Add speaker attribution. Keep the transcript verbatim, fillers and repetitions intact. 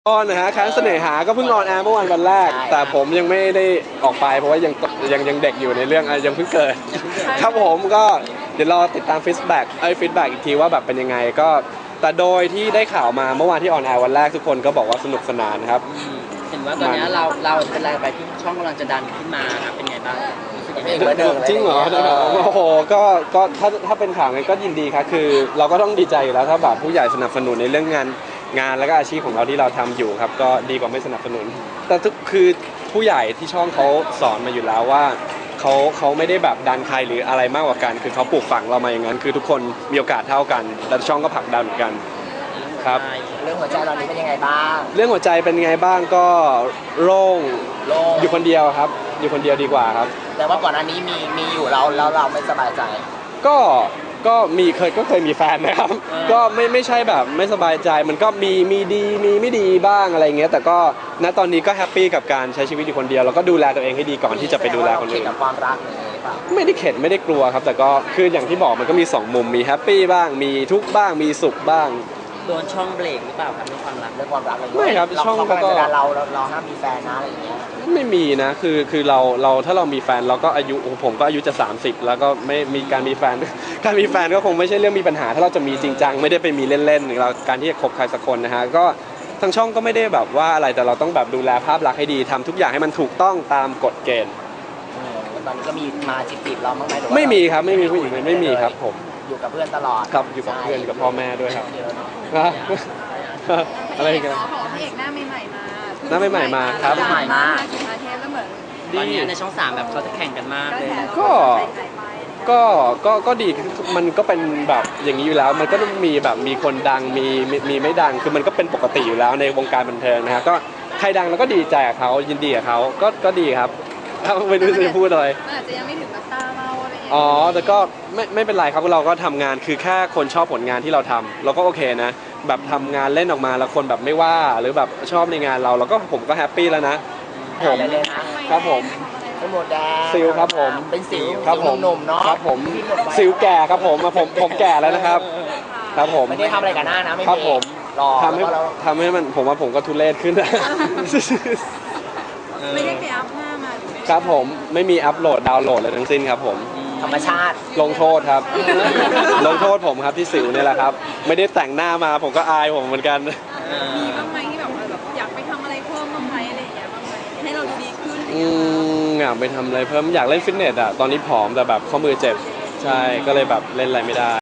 Speaker 1: ออนนะฮะค้างเสน่หาก็เพิ่งออนแอร์เมื่อวันวันแรกแต่ผมยังไม่ได้ออกไปเพราะว่ายังยังยังเด็กอยู่ในเรื่องยังเพิ่งเกิดครับผมก็เดี๋ยวรอติดตามฟีดแบ็กไอ้ฟีดแบ็กอีกทีว่าแบบเป็นยังไงก็แต่โดยที่ได้ข่าวมาเมื่อวานที่ออนแอร์วันแรกทุกคนก็บอกว่าสนุกสนานครับ
Speaker 2: เห็นว่าตอนนี้เราเราเป็นอะไรไปที่ช่องกำลังจะดันขึ้นมาครับเป็นไงบ้าง
Speaker 1: จริงเหรอโอ้โหก็ก็ถ้าถ้าเป็นข่าวไงก็ยินดีครับคือเราก็ต้องดีใจอยู่แล้วถ้าแบบผู้ใหญ่สนับสนุนในเรื่องงานงานแล้วก็อาชีพของเราที่เราทำอยู่ครับก็ดีกว่าไม่สนับสนุนแต่ทุกคือผู้ใหญ่ที่ช่องเขาสอนมาอยู่แล้วว่าเขาเขาไม่ได้แบบดันใครหรืออะไรมากกว่ากันคือเขาปลูกฝังเรามาอย่างนั้นคือทุกคนมีโอกาสเท่ากันและช่องก็ผลักดันเหมือนกันครับ
Speaker 3: เรื่องหัวใจตอนนี้เป็นยังไงบ้าง
Speaker 1: เรื่องหัวใจเป็นไงบ้างก็โล่งอยู่คนเดียวครับอยู่คนเดียวดีกว่าครับ
Speaker 3: แต่ว่าก่อนอันนี้มีมีอยู่เราแล้วเราไม่สบายใจ
Speaker 1: ก็ก็มีเคยก็เคยมีแฟนนะครับก็ไม่ไม่ใช่แบบไม่สบายใจมันก็มีมีดีมีไม่ดีบ้างอะไรเงี้ยแต่ก็ณตอนนี้ก็แฮปปี้กับการใช้ชีวิตอยู่คนเดียวแล้วก็ดูแลตัวเองให้ดีก่อนที่จะไปดูแลคนอื่น
Speaker 3: กับความรัก
Speaker 1: ไม่ได้เข็ดไม่ได้กลัวครับแต่ก็คืออย่างที่บอกมันก็มีสองมุมมีแฮปปี้บ้างมีทุกข์บ้างมีสุขบ้าง
Speaker 2: โดนช่องเบรกหรือเปล่าครับเรื่องความรัก
Speaker 3: เรื่องความรัก
Speaker 1: ไม่ครับช่องก็
Speaker 3: เราเราเราห้ามมีแฟนนะอะไรอย่างเงี้ย
Speaker 1: ไม่มีนะคือคือเราเราถ้าเรามีแฟนเราก็อายุผมก็อายุจะสามสิบแล้วก็ไม่มีการมีแฟนการมีแฟนก็คงไม่ใช่เรื่องมีปัญหาถ้าเราจะมีจริงจังไม่ได้ไปมีเล่นๆหรือเราการที่จะคบใครสักคนนะฮะก็ทางช่องก็ไม่ได้แบบว่าอะไรแต่เราต้องแบบดูแลภาพลักษณ์ให้ดีทำทุกอย่างให้มันถูกต้องตามกฎเกณฑ์
Speaker 3: ตอนนี้ก็มีมาจีบเราบ้างไหม
Speaker 1: ไม่มีครับไม่มีผู้หญิงไม่มีครับผม
Speaker 3: อยู่กับเพื่อนตลอด
Speaker 1: ครับอยู่กับเพื่อนกับพ่อแม่ด้วยครับอะไรกัน
Speaker 4: ของพี่เอกหน้าใหม่ๆมา
Speaker 1: หน้าใหม่ๆมาครับ
Speaker 3: ใหม่มา
Speaker 4: กินมาเทปแล้วเหมือน
Speaker 2: ตอนนี้ในช่องสามแบบเขาจะแข่งกันมากเลย
Speaker 1: ก็ก็ก็ก็ดีมันก็เป็นแบบอย่างนี้อยู่แล้วมันก็ต้องมีแบบมีคนดังมีมีไม่ดังคือมันก็เป็นปกติอยู่แล้วในวงการบันเทิงนะฮะก็ใครดังแล้วก็ดีใจกับเขายินดีกับเขาก็ก็ดีครับไม่รู้จะพูดอะไร
Speaker 4: อาจจะยังไม่ถึงกับตาเราอะไรอย่างเงี้ย
Speaker 1: อ๋อแต่ก็ไม่ไม่เป็นไรครับเราก็ทำงานคือแค่คนชอบผลงานที่เราทำเราก็โอเคนะแบบทำงานเล่นออกมาแล้วคนแบบไม่ว่าหรือแบบชอบในงานเราเราก็ผมก็แฮปปี้แล้วนะ
Speaker 3: ผม
Speaker 1: ครับผม
Speaker 3: เป็นหมดแดง
Speaker 1: สิวครับผม
Speaker 3: เป็นสิว
Speaker 1: ครับผม
Speaker 3: หนุ่มเนาะ
Speaker 1: ครับผมสิวแก่ครับผมผมผมแก่แล้วนะครับครับผม
Speaker 3: ไม่ได้ทำอะไรกับหน้านะไม่
Speaker 1: ครับผม
Speaker 3: ท
Speaker 1: ำให้ทำให้มันผมว่าผมก็ทุเรศขึ้น
Speaker 4: ไม่ได้ไปอัพหน้ามา
Speaker 1: ครับผมไม่มีอัพโหลดดาวน์โหลดอะไรทั้งสิ้นครับผม
Speaker 3: ธรรมชาติ
Speaker 1: ลงโทษครับลงโทษผมครับที่สิวนี่แหละครับไม่ได้แต่งหน้ามาผมก็อายผมเหมือนกัน
Speaker 4: มีบ้างไหมที่แบบว่าแบบอยากไปทำอะไรเพิ่มบ้างไหมอะไรอย่างเงี้ยบ้างไหมให้เราดูดีขึ้น
Speaker 1: อืมอยากไปทำอะไรเพิ่มอยากเล่นฟิตเนสอ่ะตอนนี้ผอมแต่แบบข้อมือเจ็บใช่ก็เลยแบบเล่นอะไรไม่ได้